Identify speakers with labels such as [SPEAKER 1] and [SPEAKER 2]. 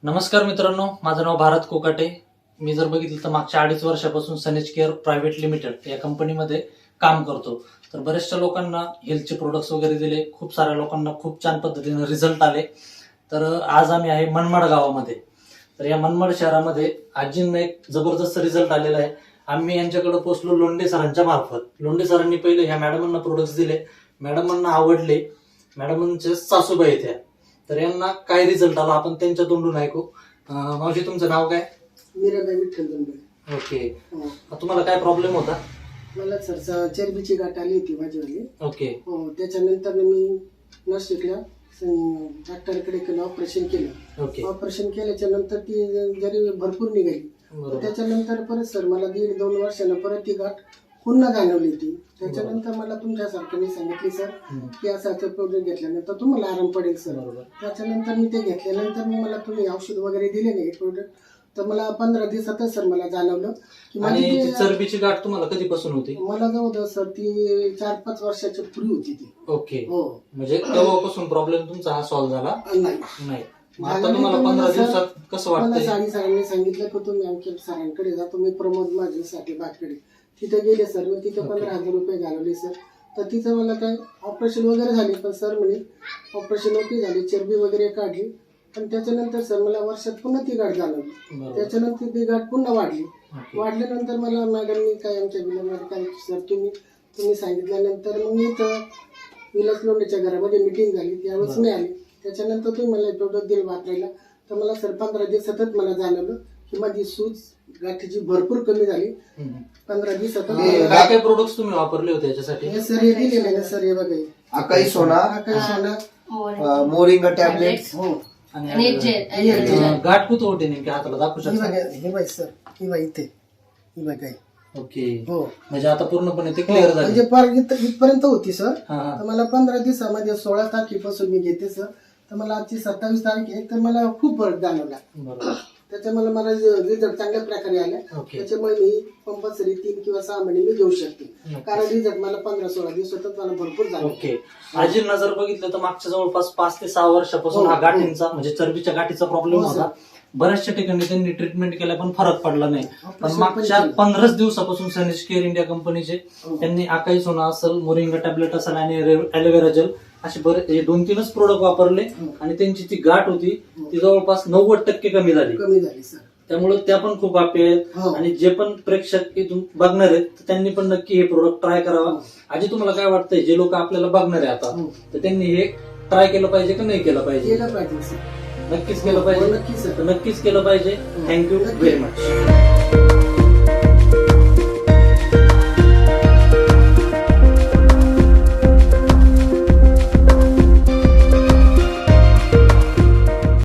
[SPEAKER 1] नमस्कार मित्रांनो, माझं नाव भारत कोकाटे. मी जर बघितलं तर मागच्या 2.5 वर्षापासून सनेज केअर प्रायव्हेट लिमिटेड या कंपनीमध्ये काम करतो. तर बऱ्याचशा लोकांना हेल्थचे प्रोडक्ट्स वगैरे दिले, खूप साऱ्या लोकांना खूप छान पद्धतीने रिझल्ट आले. तर आज आम्ही आहे मनमाड गावामध्ये. तर या मनमाड शहरामध्ये आजींना एक जबरदस्त रिझल्ट आलेला आहे. आम्ही यांच्याकडे पोहोचलो लोंढे सरांच्या मार्फत. लोंढे सरांनी पहिले ह्या मॅडमांना प्रोडक्ट्स दिले, मॅडमांना आवडले. मॅडमांचे सासूबाई त्या, तर यांना काय रिझल्ट आला आपण त्यांच्या तोंडून ऐकू. मावशी, तुमचं नाव काय?
[SPEAKER 2] मीराबाई विठ्ठल दंबे.
[SPEAKER 1] ओके. तुम्हाला काय प्रॉब्लेम होता?
[SPEAKER 2] मला सर चरबीची गाठ आली होती माझीवाली.
[SPEAKER 1] ओके.
[SPEAKER 2] हो, त्याच्यानंतर मी नाशिकला डॉक्टरकडे केलं, ऑपरेशन केलं.
[SPEAKER 1] ओके.
[SPEAKER 2] ऑपरेशन केल्याच्या नंतर ती जरी भरपूर निघाली,
[SPEAKER 1] बरोबर.
[SPEAKER 2] त्याच्यानंतर परत सर मला 1.5-2 वर्षानं परत ती गाठ पुन्हा जाणवली होती. त्याच्यानंतर मला तुमच्यासारख्याने सांगितली सर की असं प्रोडक्ट घेतल्यानंतर तुम्हाला आराम पडेल सर.
[SPEAKER 1] बरोबर.
[SPEAKER 2] त्याच्यानंतर मी ते घेतल्यानंतर मला तुम्ही औषध वगैरे दिले नाही प्रोडक्ट, तर मला 15 दिवसातच सर मला जाणवलं की
[SPEAKER 1] आणि
[SPEAKER 2] माझी
[SPEAKER 1] ती चरबीची गाठ तुम्हाला कधीपासून होती?
[SPEAKER 2] मला जवळ सर ती 4-5 वर्षाच्या पूर्वी होती ती.
[SPEAKER 1] ओके.
[SPEAKER 2] हो,
[SPEAKER 1] म्हणजे तेव्हापासून प्रॉब्लेम तुमचा हा सॉल्व्ह झाला
[SPEAKER 2] नाही.
[SPEAKER 1] नाही. मग आता तुम्हाला 15 दिवसात कसं
[SPEAKER 2] मला
[SPEAKER 1] वाटतंय?
[SPEAKER 2] सरांनी सांगितलं की तुम्ही आमच्या सरांकडे जा, तुम्ही प्रमोद माझ्यासाठी बाटकडे तिथे गेले सर. मी तिथे 15,000 रुपये घालवले सर. तर तिथं मला काय ऑपरेशन वगैरे झाले, पण सर म्हणे ऑपरेशन ओके झाले, चरबी वगैरे काढली. पण त्याच्यानंतर सर मला वर्षात पुन्हा ती गाठ जाणवली.
[SPEAKER 1] बरोबर.
[SPEAKER 2] त्याच्यानंतर ती गाठ पुन्हा वाढली.
[SPEAKER 1] ओके.
[SPEAKER 2] वाढल्यानंतर मला मॅडमनी काय आमच्या विलंबात काय सर तुम्ही सांगितल्यानंतर मग मी तर विलास लोंढेच्या घरामध्ये मिटिंग झाली, त्यावेळेस मी आले. त्याच्यानंतर तुम्ही मला प्रोडक्ट दिलं वापरायला, तर मला सर 15 दिवसातच मला जाणवलं की माझी सूज गाठीची भरपूर कमी झाली. 15 दिवसातच.
[SPEAKER 1] काय काय प्रोडक्ट्स तुम्ही वापरले होते याच्यासाठी?
[SPEAKER 2] हे सर हे दिलेले ना सर, हे बघा,
[SPEAKER 3] अकाई सोना,
[SPEAKER 2] काही सोना,
[SPEAKER 3] मोरिंगा टॅबलेट.
[SPEAKER 2] हो,
[SPEAKER 4] आणि जेल.
[SPEAKER 1] गाठ कुठं होते नेमकी हाताला दाखवू
[SPEAKER 2] ही
[SPEAKER 1] शकता?
[SPEAKER 2] बघा, हे बघ सर, ही बघा इथे, ही बघा.
[SPEAKER 1] ओके.
[SPEAKER 2] हो,
[SPEAKER 1] म्हणजे आता पूर्णपणे ते क्लिअर झाले.
[SPEAKER 2] म्हणजे पार इथपर्यंत होती सर.
[SPEAKER 1] हा, हा.
[SPEAKER 2] तर मला 15 दिवसामध्ये 16 तारखेपासून मी घेते सर. तर मला आजची 27 तारीख आहे, तर मला खूप फरक जाणवला.
[SPEAKER 1] बरोबर.
[SPEAKER 2] त्याच्यामुळे मला रिझल्ट चांगल्या प्रकारे आला.
[SPEAKER 1] ओके.
[SPEAKER 2] त्याच्यामुळे मी कंपल्सरी 3 किंवा 6 महिने मी घेऊ शकते,
[SPEAKER 1] नक्कीच.
[SPEAKER 2] कारण रिझल्ट मला 15-16 दिवसातच मला भरपूर झाला.
[SPEAKER 1] ओके. आजींना जर बघितलं तर मागच्या जवळपास 5 ते 6 वर्षापासून
[SPEAKER 2] हो,
[SPEAKER 1] हा गाठींचा म्हणजे चरबीच्या गाठीचा प्रॉब्लेम
[SPEAKER 2] हो,
[SPEAKER 1] होता. बऱ्याचशा ठिकाणी त्यांनी ट्रीटमेंट केल्या पण फरक पडला नाही. पण
[SPEAKER 2] ऑपरेशन
[SPEAKER 1] मागच्या
[SPEAKER 2] पण केलं.
[SPEAKER 1] 15 दिवसापासून सनेज केअर इंडिया कंपनीचे
[SPEAKER 2] हो.
[SPEAKER 1] त्यांनी अकाई सोना असेल, मोरिंगा टॅबलेट असेल आणि ॲलोवेरा जेल असे बरे 2-3च प्रोडक्ट वापरले
[SPEAKER 2] हो.
[SPEAKER 1] आणि त्यांची ती गाठ होती
[SPEAKER 2] हो.
[SPEAKER 1] ती जवळपास 90% कमी झाली.
[SPEAKER 2] कमी झाली सर.
[SPEAKER 1] त्यामुळे त्या पण खूप हॅपी आहेत.
[SPEAKER 2] हो.
[SPEAKER 1] आणि जे पण प्रेक्षक इथून बघणार आहेत तर त्यांनी पण नक्की हे प्रोडक्ट ट्राय करावा. आजी, तुम्हाला काय वाटतंय, जे लोक आपल्याला बघणार आहे आता
[SPEAKER 2] हो.
[SPEAKER 1] तर त्यांनी हे ट्राय केलं पाहिजे का नाही केलं पाहिजे?
[SPEAKER 2] केलं पाहिजे सर.
[SPEAKER 1] नक्कीच केलं
[SPEAKER 2] हो,
[SPEAKER 1] पाहिजे.
[SPEAKER 2] नक्कीच सर.
[SPEAKER 1] तर नक्कीच केलं पाहिजे. थँक्यू
[SPEAKER 2] नक्की.
[SPEAKER 1] Very much.